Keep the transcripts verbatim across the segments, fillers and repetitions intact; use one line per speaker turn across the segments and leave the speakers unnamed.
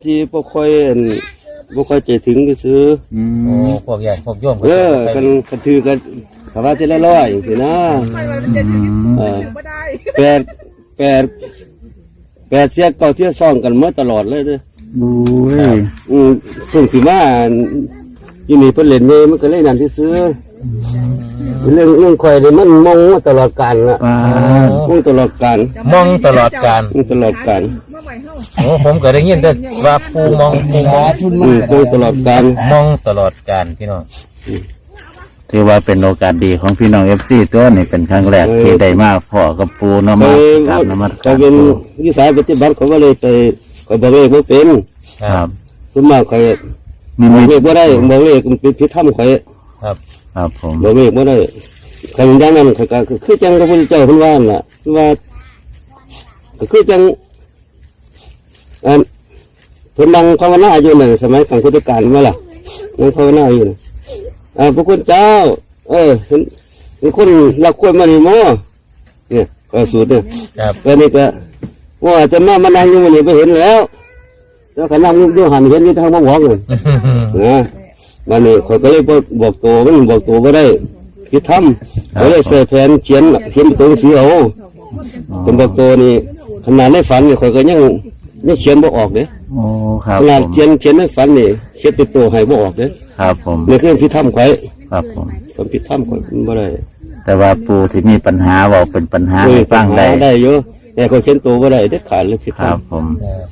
ที่พวกค่อยพวกค่อยใจถึงก็ซื้อ
โอ้พวกใหญ่พวกโยม
เออกันกันถือกันคำว่าที่ละร้อยอย่างนี้นะแปดแปดแปดเสียเก่าเที่ยซ่องกันมาตลอดเลยด้วย
บู้ย
อืมถึงที่ว่าที่มีเพื่อนเล่นเนี่ยมันก็เล่นนั่นที่ซื้อเรื่องเรื่องคอยเลยมันมองมาตลอดกาลละมองตลอดกาล
มองตลอดกาล
มองตลอดกาล
โอ้ผมก็ได้ยินแต่ว่าปูมองปูมอง
มองตลอดกาล
มองตลอดกาลพี่น้อง
ถือว่าเป็นโอกาสดีของพี่น้องเอฟซีตัวนี่เป็นครั้งแรกที่ได้มาพ่อกับปูเนาะมากราบนมัสการ
เป็นวิสัยปฏิบัติเขาก็เลยไปคอยบอกเลขไม่เป็น
ครับ
สมมติคอยบอกเลขไม่ได้บอกเลขมันเป็นพิธามคอย
ครับ
ครับผม
บอกเลขไม่ได้คำอย่างนั้นเขาก็คือจังพระพุทธเจ้าพูดว่าน่ะว่าก็คือจังอันเพิ่นนั่งภาวนาอยู่ในสมัยของพุทธกาลเมื่อล่ะนั่งภาวนาอยู่อ่าพระคุณเจ้าเออเห็นเห็นคนรักควรมาในหม้อเนี่ยก็สูตรเนี่ยก็นี่ก็ว่าจะมามานั่งอยู่มันนี่ไปเห็นแล้วแล้วก็นั่งอยู่หันเห็นอยู่ทางบ้านหวงเลยนะวันนี้เขาก็เลยบอกตัวมันบอกตัวไม่ได้คิดทำเขาเลยเสียแผนเขียนเขียนตัวสีเอาเป็นบอกตัวนี่ขนาดในฝันนี่เขาก็ยังยังเขียนบ่ออกเลยขนาดเขียนเขียนในฝันนี่เขียนติดตัวให้บ่ออกเลย
ครับผม
นี่คือพิธามไข่
ครับผม
ผมพิธามไข่ไม่ได้
แต่ว่าปูที่มีปัญหาบอกเป็นปัญหาให้ฟังได้
ได้เยอะแต่เขาเขียนตัวไม่ได้เด็ดขาดเลยพิธาม
ครับผม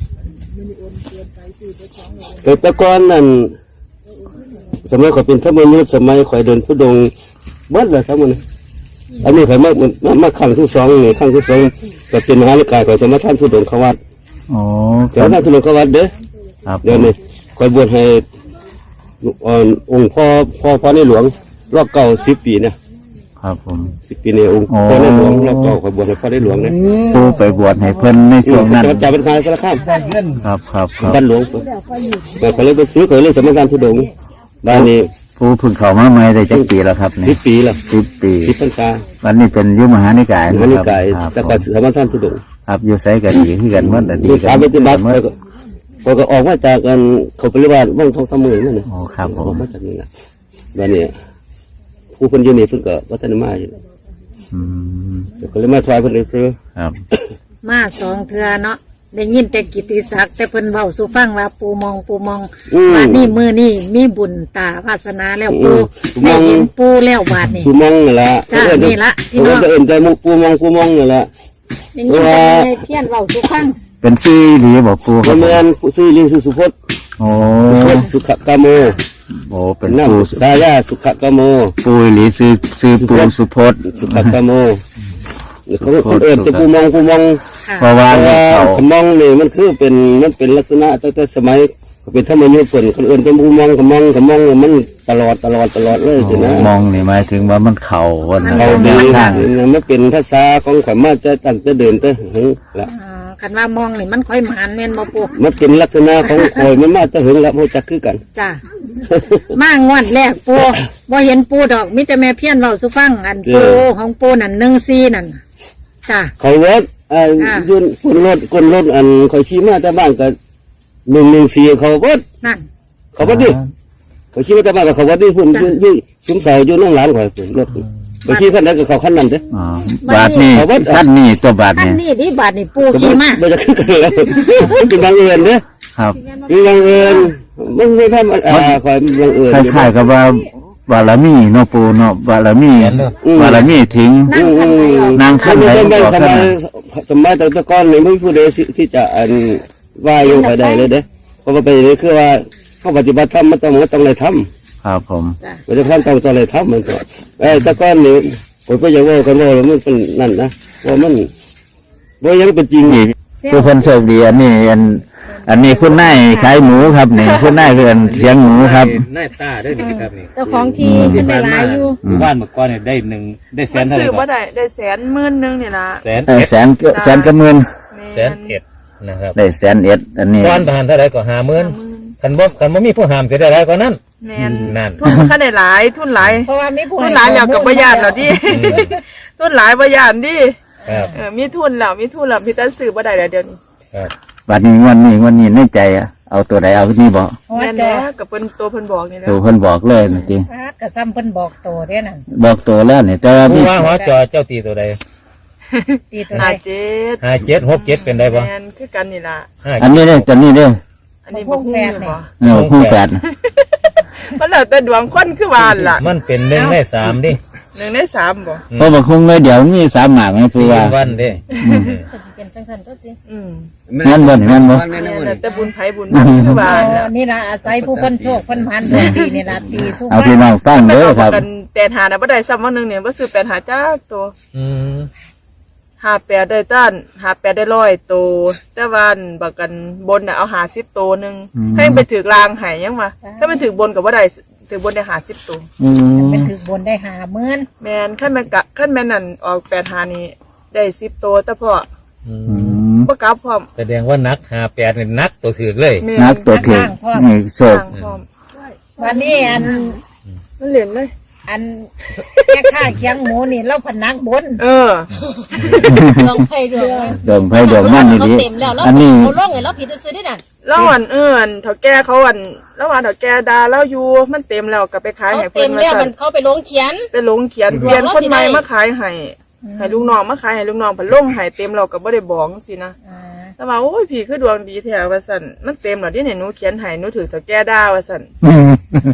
แต่ตะกอนนั่นสมัยข่อยเป็นธรรมยุทธสมัยข่อยเดินทุดงเบิ้ลเลยทั้งหมดอันนี้ข่อยมามามาขั้งที่สองนี่ขั้งที่สองก็เป็นมหานิกายข่อยสมัยท่านทุดงขวัด
อ๋อ
แต่ท่านทุดงขวัดเด้อเดี๋ยวนี้ข่อยบวชให้องค์พ่อพ่อพ่อในหลวงรอบเก่าสิบปีนะครับ
ผม
สิบปีในองค์พ่อในหลวงรอบเก่าข่อยบวชให้พ่อในหลวงนะ
ปูไปบวชให้เพิ่นในช่วงนั้น
จะเป็นใครสารข้าม
ครับครับ
บ้านหลวงแต่ข่อยเลยไปซื้อข่อยเลยสมัยท่านทุดงบ้านนี้
ผู้พึ่งเขามาใหม่ได้จักปีแล้วครับ
สิบปีแล้ว
สิบปี
สิบพรรษา
วันนี้เป็นยุมหานิกาย
มหานิกายแต่ก่อนสมัยท่านทุดง
ครับอยู่ไสกันดีที่กันเมื่อแต่ดี
กันสามปฏิบัติเขาก็ออกมาจากกันเขาปฏิบัติว่างทองสามมือนั่นนะ
โอ้ครับผม
ออกมาจากนี่แหละบ้านนี้ผู้คนอยู่นี่เพิ่งก็วัฒนมาอยู่
อืม
ก็เลยมาซอยเพิ่นเลยซื้อ
ครับ
มาสองเทือเนาะได้ยินแต่กิตติศักดิ์แต่เพิ่นเว้าสู่ฟังว่าปูมองปูมองบาดนี้มือนี่มีบุญตาวาสนาแล้วปูได้เห็นปูแล้วบาดนี้
ปูมองนี่ละ
จ้านี่ละพี่น้อง
เอิ้นใจมุกปูมองปูมองนี่ละ
ได้ยินแต่เพี้ยนเว้าสู่ฟัง
เป็นซี่หรือบอกปู
ครับแม่นซี่ลิงสุพจน์
โอ้
สุขกามโม
โอ้เป็น
ปูสายาสุขกามโม
ปูหรือซื้อซื้อปูสุพจน์
สุขกามโมเขาคนเอิ้นแต่ปูมองปูมอง
เพราะว่า
ขมองนี่มันคือเป็นมันเป็นลักษณะตั้งแต่สมัยเป็นธรรมยุทธ์เปิ่นคนอื่นจะปูมองขมองขมองมันตลอดตลอดตลอดเลยใช่ไหม
มองนี่หมายถึงว่ามันเข่าวัน
เข่าดีมันเป็นภาษาของข่อยมาจะตั้งจะเดินจะหึงละ
คันว่ามองนี่มันค่อยหมานแม่นบ่ปู
มันเป็นลักษณะของข่อยมันมาจะหึงละโมจักคือกัน
จ้ามางวดแรกปูบ่เห็นปูดอกมิแต่แม่เพี้ยนเว้าสู่ฟังอันปูของปูนั่นหนึ่งสี่นั่นจ้า
เขารถอ่ายุ่นคนรถคนรถอันคอยขี่มาแต่บ้านก็หนึ่งหนึ่งสี่เขาวัด
นั่น
เขาวัดดิเขาขี่มาแต่บ้านก็เขาวัดดิพุ่นยุ่นยุ่นซุ้มเสายุ่นน้องหลานคอยพุ่นรถเขาขี่ขั้นไหนก็เขาขั้นนั้นเด้
บาทนี่ขั้นนี่ตัวบาท
นี่ขั้นนี่ที่บาทนี่ปูขี่มา
ไม่จะขึ้นกันแล้วเป็นบางเอิญเด้
ครับ
เป็นบางเอิญมันไม่ทำอ่าคอยบางเอิญ
คล้ายๆกับว่าบารมีเนาะปูเนาะบารมีบารมีถึงนางขั้นไหน
สมัยสมัยตะก้อนเลยไม่ผู้ใดที่จะอันว่าอยู่ไปได้เลยเด้เพราะว่าไปนี่คือว่าเขาปฏิบัติธรรมมันต้องมันต้องเลยท
ำครับผม
ปฏิบัติธรรมต้องต้องเลยทำมันก็ไอ้ตะก้อนนี่ผมก็ยังว่ากันว่ามันเป็นนั่นนะว่ามันว่ายังเป็นจริง
ผู้คนโชคดีอันนี้อันอันนี้คุณนายขายหมูครับเนี่ยคุณนายเรือนเลี้ยงหมูครับ
นายตาได้หนึ่งครับนี่
เจ้าของที่เป็นหลายอยู่
บ้านเมื่อก่อนเนี่ยได้หนึ่งได้แสนเท่าไหร่
ครับได้ได้แสนหมื่นหนึ่งนี่ละ
แสนแสนแสนกับหมื่น
แสนเอ็ดนะครับ
ได้แสนเอ็ดอันนี้
ก้อนทานเท่าไหร่ก็ห้าหมื่นขันบ่ขันบ่มีผู้ห้ามจะได้ไรก็นั้น
นั่นทุนมันได้หลายทุนหลาย
เพราะว่ามีผู้
ทุนหลายแล้วกับประหยัดแล้วดิทุนหลายประหยัดดิมีทุนแล้วมีทุนแล้วพี่ตั้งซื้อบ่ได้แล้วเดี๋ยวนี้
บัดนี้วันนี้วันนี้ในใจอ่ะเอาตัวใดเอาที่นี่บอก
หัว
แม่น
จอ
แล้วกับเพิ่นตัวเพิ่นบอกนี่แหละ
ตัวเพิ่นบอกเลยนะจริง
พาดกระซ้ำเพิ่นบอกโตเด้นั่น
บอกตัวแล้วเนี่ยแต่ว่า
ผู้
พี่
ว่าหัวจอเจ้าตีตัวใด
ตีตัว
ห้า
ใด
เจ็ด
ห้าเจ็ดหกเจ็ดเป็นได้ปะ
แม่นคือกันนี่ล่ะ
ห้า
อันนี้เนี่ยตัวนี้เนี่ย
อันนี้บ่ฮู้แม่นบ่
เออคู่แฝด
มันแล้วแต่ดวงคนคือว่าล่ะ
มันเป็นหนึ่งในสามดิ
หนึ่งในสามบ่
เพราะบางคงเลยเดี๋ยวมีสามหมากไงคือว่า
วันเด้
ก็สิเป็นจังซั่นตัวสิ
อืม
แม่นบ่นี่แม่นบ่
แม่น
แม่
บ่
น
นี่
แล้วแต่บุญไผบุญมันคือว่า
อ๋
ล่ะ
อนี่ล่ะอาศัยผู้เพิ่นโชคเพิ่นพันดวงดีนี่ล่ะตีสู้
เอา
ฟั
พี่
ง
น้องฟัง
ไม่
เด้อ
เอา
ครับ
กันแปดหาน่ะบ่ได้ซ้ำวันหนึงเนี่ยบ่ซื้อแปดหาจ้าตัว
อืม
ห้าแปดได้ต้านห้าแปดได้ร้อยตัวแต่ว่าอันบักกันบนน่ะเอาห้าสิบตัวหนึงถ้ายังไปถือกลางให้ยังว่าถ้ามันถือบนก็บ่ได้ถือบนได้ห้าสิบตัว
อืม
เป็นถึกบนได้หาหมื่น
แม่นขั้นแม่นกะขั้นแม่นนั่นออกแปดหานี่ได้สิบตัวแต่พอ
อื
อื
ม
ม
บ่กลับพร้อม
แสดงว่านักหาแปดนี่นักตัวถือเลย
แม่
นักตัวถึงนี่โชค
ต่างพร้อม
วันนี้อัน
มันเหรียญเลย
อันแม่ค้าเคียงหมูนี่เราพนักบน
เออ
ลองไปดู
ดมไผดมมันนี่
เขา
ดิ
เต็มแล้วแล้ว
อันนี้
เขาล่องไงแล้วผิดจะซื้อได้นั่น
แล้วอันเอื้อนเฒ่าแก่เขาอันแล้วว่าเฒ่าแก่ด่าแล้วอยู่มันเต็มแล้วก็ไปขาย
เขา
ให้เพิ่
เต็
น
ม
ว่า
แล้ว
ซั่
มัน นเขาไปลงเขียน
ไปลงเขียนเปลี่ยนคนใหม่มาขายให้ให้ลูกน้องมาขายให้ลูกน้องเพิ่นลงให้เต็มแล้วก็บ่ได้บอกจังซี่นะ
อ่า
แล้วว่าโอ้ยพี่คือดวงดีแท้ว่าซั่นมันเต็มแล้วดิเนี่ยหนูเขียนให้หนูถือเฒ่าแก่ด่าว่าซั่น
อืม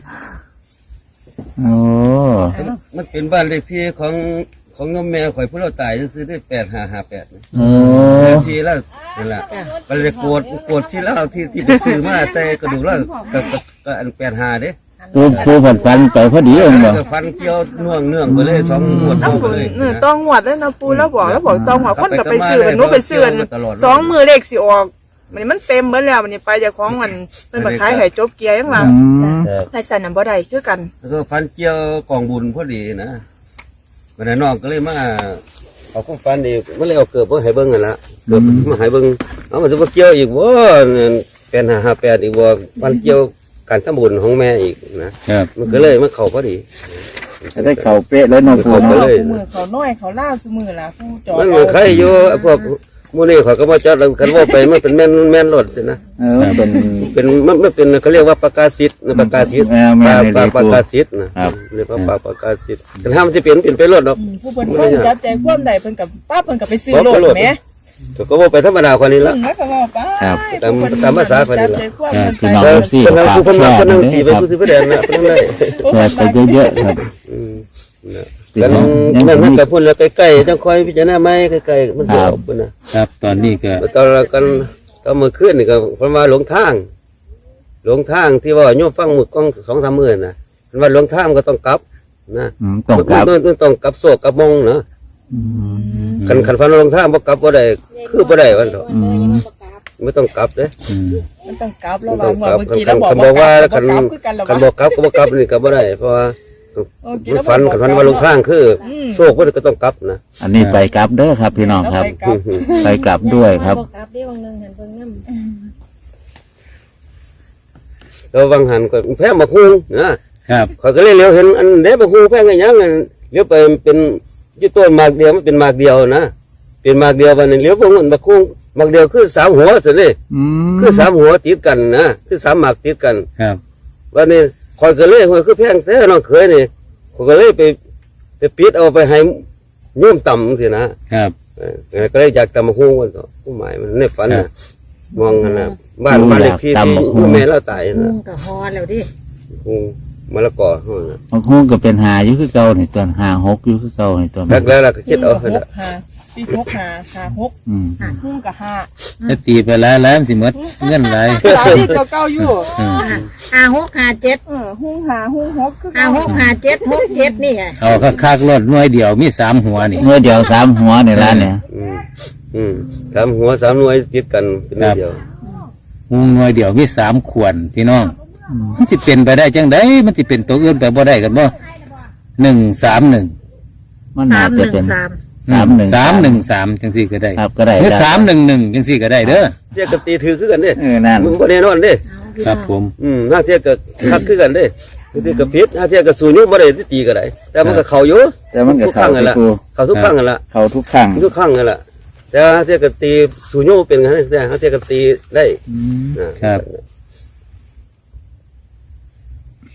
โอ้
มันเป็นบ้านเลขที่ของของน้องแม่ข่อยผู้เราตายซื้อได้แปดห้าห้าแปด
โอ้
ทีแล้วนั่นแหละมันเลยโกรธโกรธที่เล่าที่ที่ไปซื้อมาใส่กระดูกแล้วกับกับกับอันแปดห้าเด้
ปูปูผัดฟันไปพอดีเองบ่
ฟันเกี่ยวเนื่องเนื่องไปเลยสองงวด
แล้ว
เข้าไป
ผม
เลย
เออต้องงวดแล้วนะปูแล้วบอกแล้วบอกต้องงวดคนก็ไปซื้อมันหนูไปซื้อมัน
ตลอด
สองมือเลขสิออกมันมันเต็มเบิดแล้วมันนี่ไปจากของมันมันมาขายให้จบเกียร์ยังว่า
อืม
ครับ
ไปใส่น้ำบ่ได้คือกัน
แล้วก็ฟันเกี่ยวกองบุญพอดีนะวันนั้นน้องก็เลยมาเอาของฟันอีกมันเลยเอาเกือบมาให้เบิ้งกันละเกือบมาให้เบิ้งเอามันจะมาเกี่ยวอีกว่าแปดห้าห้าแปดอีกว่าฟันเกี่ยวการทำบุญของแม่อีกนะครับ มันก็เลยมันเข่าพอดี
จะได้เข่าเป๊ะแล้วเน้องปู
เข้าไป
เนาะ
เลย
มือเขาน้อยเขาล่าสมือล่ะผู้จอด
มันเหมือนใครอยู่พวกมูนี่เขาก็มาจอดกันว่าไปมันเป็นแม่นแม่นรถสินะ
เออเป็น
เป็นมันมันเป็นเขาเรียกว่าประกาศสิทธิ์นะประกาศสิทธิ์
เออแม่
ปลาน
เลย
ปลา
ครู
ประกาศสิทธิ์นะครับ เรียกว่าปลาประกาศสิทธิ์แต่ถ้ามันจะเปลี่ยนเปลี่ยนไปรถหรอก
ผู้เพิ่นคนจับใจความใดเพิ่นกับป้าเพิ่นกับไปซื้อโลดแหม
แต่ก็ว่าไปธรรมดาคนนี้ละ
เพิ่นก็ว่าป้า
ครับ
ตามตามภาษาคนนี้ล่ะ
จับใจความ
ครับ
เพิ่น
พี่น้อง
ไป
เอฟซี
คนนั้น
ฝาก
คือคน
แช
นั้น
ร์
คนนั้น
ด้
ตี
วย
ไป
ครับ
ผู้ซื้อไปแดนนะคนนั้นได้
แชร์ไปเยอะๆครับ
อืมนะกันนั่นนั่นกับพุ่นแล้วใกล้ๆจังคอยพิจารณาไหมใกล้ๆมันจะออกพุ่นนะครับ
ตอนนี้ก็
ตอนเรากันตอนเมื่อคืนนี่ก็เพราะว่าหลงทาง หลงทางที่ว่าโยมฟังหมึกกล้องสองสามหมื่นนะมันว่าหลงทางก็ต้องกลับนะ
อืมต้องกลับ
มันมันต้องกลับโซกกลับมงเนาะ
อืม
คันคันฟันหลงทางบ่กลับบ่ได้คือบ่ได้วันเถอะ
อืม
ไม่ต้องกลับเด้
อืม
มันต้องกลับ
ไม่
แล้ว
ต้
ว่า
องกลับ
เมื่อกี้
คั
เรา
น
บอก
คันบอกว่า
ว่า
คัน
กลับคือกันแล้ว
คันบ
ว่า
อกกลับก็บ่กลับนี่ก็บ่ได้เพราะว่ามันฟันคันฟันว่าหลงทางคืออโซกบ่ได้ก็ต้องกลับนะ
อันนี้ไปกลับเด้อครับ พี่น้องครับ ไปกลับด้วยครับ
กลับได้วังหนึ่งหันเบิ่งน้ำ
แล้ววังหันก็แพ้มาคุงนะครับ ข่อยก็เลยเลี้ยวเห็นอันเด้มาคุงแพ้กันยังอันเลี้ยวไปเป็นอยู่ต้นหมากเดียวมันเป็นหมากเดียวนะเป็นหมากเดียววันนี้เลี้ยวพวกมันมาคุงหมากเดียวคือสามหัวสิเลย
อืม
คือสามหัวติดกันนะคือสามหมากติดกัน
ครับ
วันนี้คอยก็เลยคอยคือแพงแต่น้องเคยนี่คอยก็เลยไปไปปิดเอาไปให้โยมต่ำสินะครับ เออก็เลยอยากตำมาหุ้งวันก็ผู้หมายมันในฝัน
ครั
นะ
บ
มองกันนะบ้านบ้านเลขที่ที่ผู้แม่เราตาย
มุ
นะ
งกับฮอแล้วดิ
หุ้งมะละกอห้องนะ
บางคู่ก็เป็นหาอยู่คือเก่านี่ตัวหาหกอยู่คือเก่านี่ตัว
แรกแล้วเราก็คิดเอา
ห
ให้
ก
ละ
ห้าปีหกห้าห้าหก
อืม
หุ้งกับห้า
ถ้าตีไปแล้วแล้วมันสิหมดเงินไหลาย
หลายที่เก่าๆอยู่
อืม
ห้าหกห้าเจ็ด
เออหุ้งห้าหุ้งหกคือ
ห้าหกห้าเจ็ดหกเจ็ดนี่ไง
เอาคักๆรถหน่วยเดียวมีสามหัวนี่
เมื่อเดียวสามหัวในร้านเนี่ย
อืมอืมสามหัวสามหน่วยติดกันเป็นนิดเดียว
หุงหน่วยเดียวมีสามขวนพี่น้องมันสิเป็นไปได้จังไดมันสิเป็นตัวอื่นไปบ่ได้กันบ่หนึ่งสามหนึ่ง
มัน
สา
น่าม
ห
จะ
นึ่ง
เป็น
สาม
สามหนึ่ง
สามหนึ่งสามจังสี่ก็ได้
ครับก็ได้
หรือสามหนึ่งหนึ่งจังสี่ก็ได้เด้อ
เทียบกับตีถือคือกันเด้
เออนั่น
มึงบ่แน่นอนเด้
ครับผม
อืมถ้าเทียบกับคักคือกันเด้ถ้าเทียบกับพิษถ้าเทียบกับสูญยุบ่ได้ตีก็ได้แต่มันก็เข้าอยู่
แต่มันก็
ทุกค
เข้า
รั้งนั่นแหละ
ที่ครู
เข้าทุกครั้งนั่นแหละ
เข้าทุกครั้ง
ทุกครั้งนั่นแหละแต่ถ้าเทียบกับตีสูญยุเป็นไงแต่ถ้าเทียบกับตีได้
อืม
นะครับ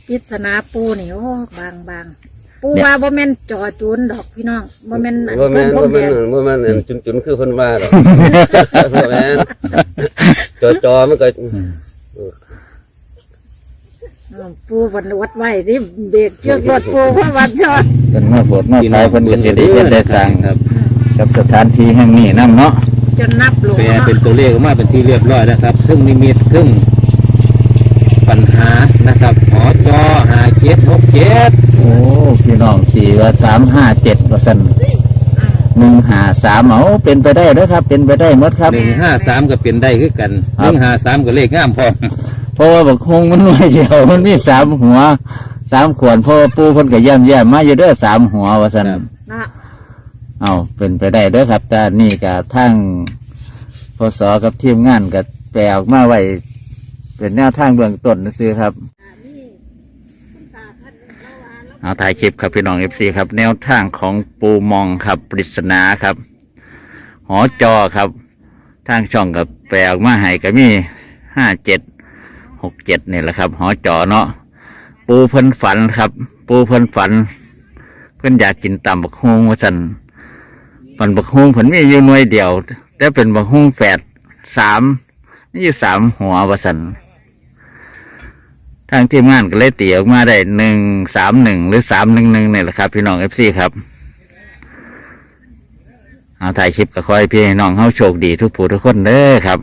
ปริศนาปูนี่โอ้บางบางปูว่าบ่แม่นจอจูนดอกพี่น้องบ่แม่นอัน
ว่าแม่น
เพิ่
ว่าน
แด
แม่น
ง
ว่าแม่นอันจุนๆคือเพิ่นว่าดอกว่าแม่นจอๆมันก็
อ้าวปูวันวัดไว้ที่เบรกเชือกรถปูเพราะวันจอด
เป็นเมื่อโปรดเมื่อไปเพิ่นก็จะได้เฮ็ดได้สร้าง
ครับ
กับสถานที่แห่งนี้นํเนาะ
จนนับลง
แปล
เนาะ
เป็นตัวเลขออกมาเป็นที่เรียบร้อยนะครับซึ่งนิมิตซึ่งปัญหานะครับหอจอหาเจ็ดหกเจ็ด
โอ้พี่น้องสี่ว่าสามห้าเจ็ดว่าซั่นหนึ่งห้าสามเอาเป็นไปได้เด้อครับ เป็นไปได้หมดครับ
หนึ่งห้าสามก็เป็นได้คือกันห
ครับ
นึ่งห้าสามก็เลขงามพร้อม
เพราะว่าบักฮงมันน้อยเดียวมันมีสามหัวสามขวนเพราะว่าปูเพิ่นก็ย่ำแย่มมาอยู่เด้อสามหัวว่าซั่น
ครับ
เนาะ
เอาเป็นไปได้เด้อครับแต่นี่ก็ทั้งพศกับทีมงานก็แปลออกมาไว้เป็นแนวทางเบื้องต้นซื่อๆครับเอาถ่ายคลิปครับพี่น้องเอฟซีครับ แนวทางของปูมองครับปริศนาครับ หอจอครับทางช่องกับแปลออกมาให้ก็มีห้าเจ็ดหกเจ็ดนี่แหละครับ หอจอเนาะปูเพิ่นฝันครับ ปูเพิ่นฝัน เพิ่นอยากกินตำบักฮวงว่าซั่นปันบักฮวงเพิ่นมีอยู่หน่วยเดียวแต่เป็นบักฮวงแฝดสามนี่อยู่สามหัวว่าซั่นทางทีมงานก็เลยตีออกมาได้หนึ่งสามหนึ่งหรือสามหนึ่งหนึ่งนี่แหละครับพี่น้องเอฟซีครับเอาถ่ายคลิปก็คอยพี่น้องเฮาโชคดีทุกผู้ทุกคนเด้อครับ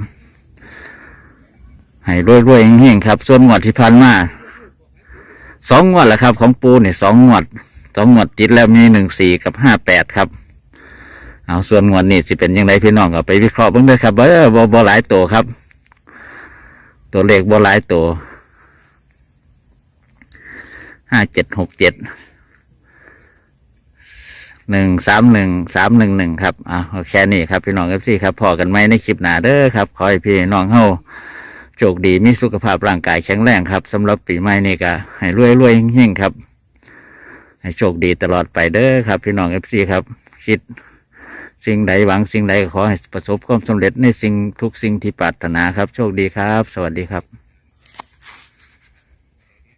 ให้รวยๆเฮงๆครับส่วนงวดที่ผ่านมาสองงวดแหละครับ ของปูเนี่ยสองงวดสองงวดติดแล้วมีหนึ่งสี่กับห้าแปดครับเอาส่วนงวดนี้สิเป็นยังไงพี่น้องก็ไปวิเคราะห์เบ้างเด้อครับเออบ่บ่หลายตัวครับ ตัวเลขบ่หลายตัวห้าเจ็ดหกเจ็ดหนึ่งสามหนึ่งสามหนึ่งหนึ่งครับอ่าแค่นี้ครับพี่น้องเอฟซีครับพอกันไหมในคลิปหน้าเด้อครับขอให้พี่น้องเฮาโชคดีมีสุขภาพร่างกายแข็งแรงครับสำหรับปีใหม่นี้ก็ให้รวยรวยเฮงๆครับให้โชคดีตลอดไปเด้อครับพี่น้องเอฟซีครับคิดสิ่งใดหวังสิ่งใดขอให้ประสบความสำเร็จในสิ่งทุกสิ่งที่ปรารถนาครับโชคดีครับสวัสดีครับ